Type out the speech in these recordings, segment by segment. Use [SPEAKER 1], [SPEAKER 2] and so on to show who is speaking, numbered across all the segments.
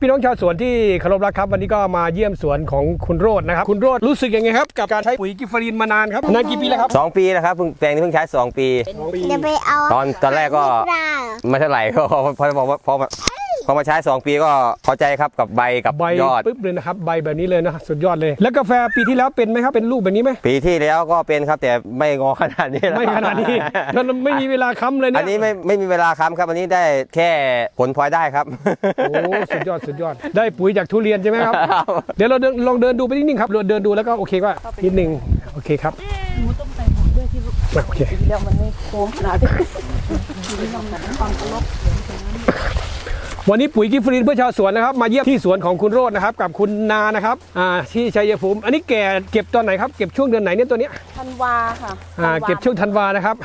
[SPEAKER 1] พี่น้องชาวสวนที่เคารพรักครับวันนี้ก็มาเยี่ยมสวนของคุณโรจน์นะครับคุณโรจน์รู้สึกยังไงครับกับการใช้ปุ๋ยกิฟเฟอรีนมานานครับนานกี่ปีแล้วครับ
[SPEAKER 2] 2 ปีแล้วครับแปลงนี้เพิ่งใช้2 ปี
[SPEAKER 3] จะไปเอา
[SPEAKER 2] ตอนแรกก็ไม่เท่าไหร่พอมาใช้2 ปีก็พอใจครับกับใบกับยอด
[SPEAKER 1] ปึ๊บเลยนะครับใบแบบนี้เลยนะสุดยอดเลยแล้วกาแฟปีที่แล้วเป็นไหมครับเป็นลูกแบบนี้ไหม
[SPEAKER 2] ปีที่แล้วก็เป็นครับแต่ไม่งอขนาดนี้
[SPEAKER 1] ไม่ขนาดนี้มันไม่มีเวลาค้ำเลยนะ
[SPEAKER 2] อันนี้ไม่มีเวลาค้ำครับอันนี้ได้แค่ผลพลอยได้ครับ
[SPEAKER 1] โอ้สุดยอดได้ปุ๋ยจากทุเรียนใช่ไหมครับเดี๋ยวเราลองเดินดูไปนิดนึงครับเดินดูแล้วก็โอเคว่านิดนึงโอเคครับ
[SPEAKER 3] หนูต้องใส่หมวกด้วยที่ลูก
[SPEAKER 1] โอเค
[SPEAKER 3] แล้วมันไม่โค้งขนาดนี้ความเคารพ
[SPEAKER 1] วันนี้ปุ๋ยกิฟเฟอรีนเพื่อชาวสวนนะครับมาเยี่ยมที่สวนของคุณโรจน์นะครับกับคุณนานะครับที่ชัยภูมิอันนี้แก่เก็บตอนไหนครับเก็บช่วงเดือนไหนเนี่ยตัวเนี้ย
[SPEAKER 3] ธันวาค่ะ
[SPEAKER 1] เก็บช่วงธันวานะครับ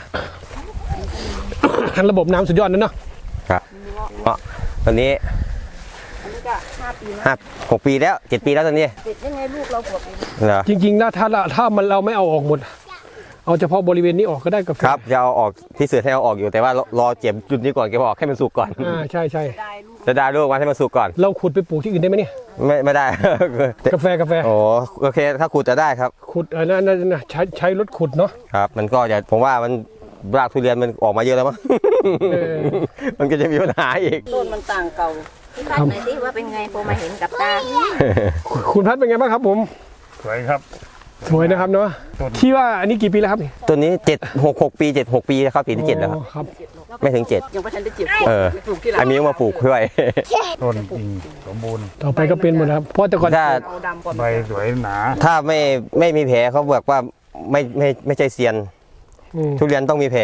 [SPEAKER 1] ระบบน้ำสุดยอดนั่นเนาะ
[SPEAKER 2] ครับตอนนี้
[SPEAKER 3] ก็5 ปีแล้ว
[SPEAKER 2] 6 ปีแล้ว7 ปีแล้วตอนนี้
[SPEAKER 3] ติดยังไงลูกเราขวบเ
[SPEAKER 1] องจริงๆนะถ้าเราไม่เอาออกหมดเอาเฉพาะบริเวณนี้ออกก็ได้กับ
[SPEAKER 2] ครับจะเอาออกที่เสือให้เอาออกอยู่แต่ว่ารอเจ็บจุดนี้ก่อนเก็บออกให้มันสุกก่อน
[SPEAKER 1] ใช่
[SPEAKER 2] จะได้ลูกมันให้มันสุกก่อน
[SPEAKER 1] เราขุดไปปลูกที่อื่นได้ไหมเนี่ย
[SPEAKER 2] ไม่ได้
[SPEAKER 1] กาแฟ
[SPEAKER 2] โอ้โอเคถ้าขุดจะได้ครับ
[SPEAKER 1] ขุดนั่นใช้รถขุดเนาะ
[SPEAKER 2] ครับมันก็จะผมว่ามันรากทุเรียนมันออกมาเยอะแล้วมั้งมันก็จะมีปัญหาอีก
[SPEAKER 3] ต้นมันต่างเก่าพี่พัดไหนสิว่าเป็นไงพอมาเห็นกับตา
[SPEAKER 1] คุณพัดเป็นไงบ้างครับผม
[SPEAKER 4] สวยครับ
[SPEAKER 1] สวยนะครับเนาะที่ว่าอันนี้กี่ปีแล้วครับ
[SPEAKER 2] ตัวนี้6 ปี7 6 ปีครับปีที่7แล้วครับไม่ถึง7
[SPEAKER 3] ยังไม่ทันได้เจ็บ
[SPEAKER 2] ปลูกที่ไหนอันนี้มาปลูกด้วย
[SPEAKER 4] ต้นจริงสมบูรณ์
[SPEAKER 1] ต่อไปก็เป็นหมดครับเพราะแต่ก่อน
[SPEAKER 4] ใบสวยหนา
[SPEAKER 2] ถ้าไม่มีแผลเขาบอกว่าไม่ใช่เซียนทุเรียนต้องมีแผล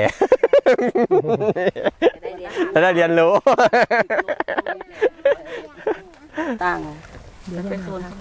[SPEAKER 2] จะได้เรียนรู้
[SPEAKER 3] ต่างเป็นโซน